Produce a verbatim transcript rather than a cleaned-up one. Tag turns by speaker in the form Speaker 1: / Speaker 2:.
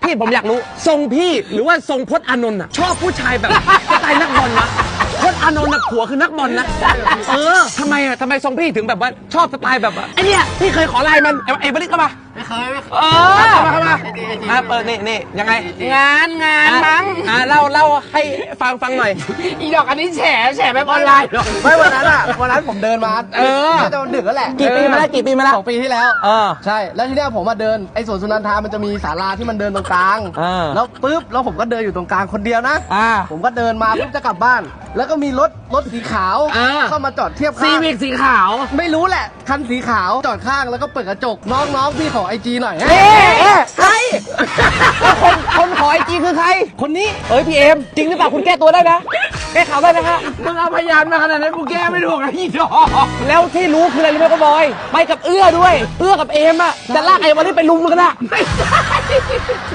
Speaker 1: พี่ผมอยากรู้ทรงพี่หรือว่าทรงพจน์อานนท์อะชอบผู้ชายแบบสไตล์นักบอลนะพจน์อานนท์นะผัวคือนักบอลนะเออทำไมอะทำไมทรงพี่ถึงแบบว่าชอบสไตล์แบบไอ้เนี่ยพี่เคยขอไลน์มันไอ้ไอ้บริษเข้ามา
Speaker 2: ไม่เคยไม่เคย
Speaker 1: เออเข้ามาเข้ามาอ่ะเปิดนี่นี่ยังไงงานงานมั้งอ่ะเล่าเล่าให้ฟังฟังหน่อยอีดอกอันนี้แฉแฉแบบออนไลน์
Speaker 2: ไม่วันนั้นอ่ะวันนั้นผมเดินมา
Speaker 1: เออ
Speaker 2: จะดึกแล้วแหละ
Speaker 1: กี่ปีมาแล้วกี่ปีมาแล้ว
Speaker 2: สองปีที่แล้ว
Speaker 1: เออ
Speaker 2: ใช่แล้วทีเนี้ยผมมาเดินไอ้สวนสุนันทามันจะมีศาลาที่มันเดินตรงกลาง
Speaker 1: เออ
Speaker 2: แล้วปุ๊บแล้วผมก็เดินอยู่ตรงกลางคนเดียวนะ
Speaker 1: อ่า
Speaker 2: ผมก็เดินมาปุ๊บจะกลับบ้าน แล้วก็มีรถรถสีขาว
Speaker 1: อ่า
Speaker 2: เข้ามาจอดเทียบ
Speaker 1: ซี
Speaker 2: ข้าง
Speaker 1: วิกสีขาว
Speaker 2: ไม่รู้แหละคันสีขาวจอดข้างแล้วก็เปิดกระจกน้องๆพี่ขอไอจีหน่อย
Speaker 1: เอ๊ะเอ๊ะใครคนคนขอไอจีคือใคร
Speaker 2: คนนี้
Speaker 1: เอ้ยพี่เอ็มจริงหรือเปล่าคุณแก้ตัวได้นะแก้ข่าวได้นะฮะ
Speaker 2: มึงเอาพยานมาขนาดนั้นกูแก้ไม่ถูกนะพี่ดอก
Speaker 1: แล้วที่รู้คืออะไรรู้ไหมก็บอย ไปกับเอื้อด้วย เอื้อกับเอ็มอะจะลากไอ้วันนี้ไปลุมกันอะ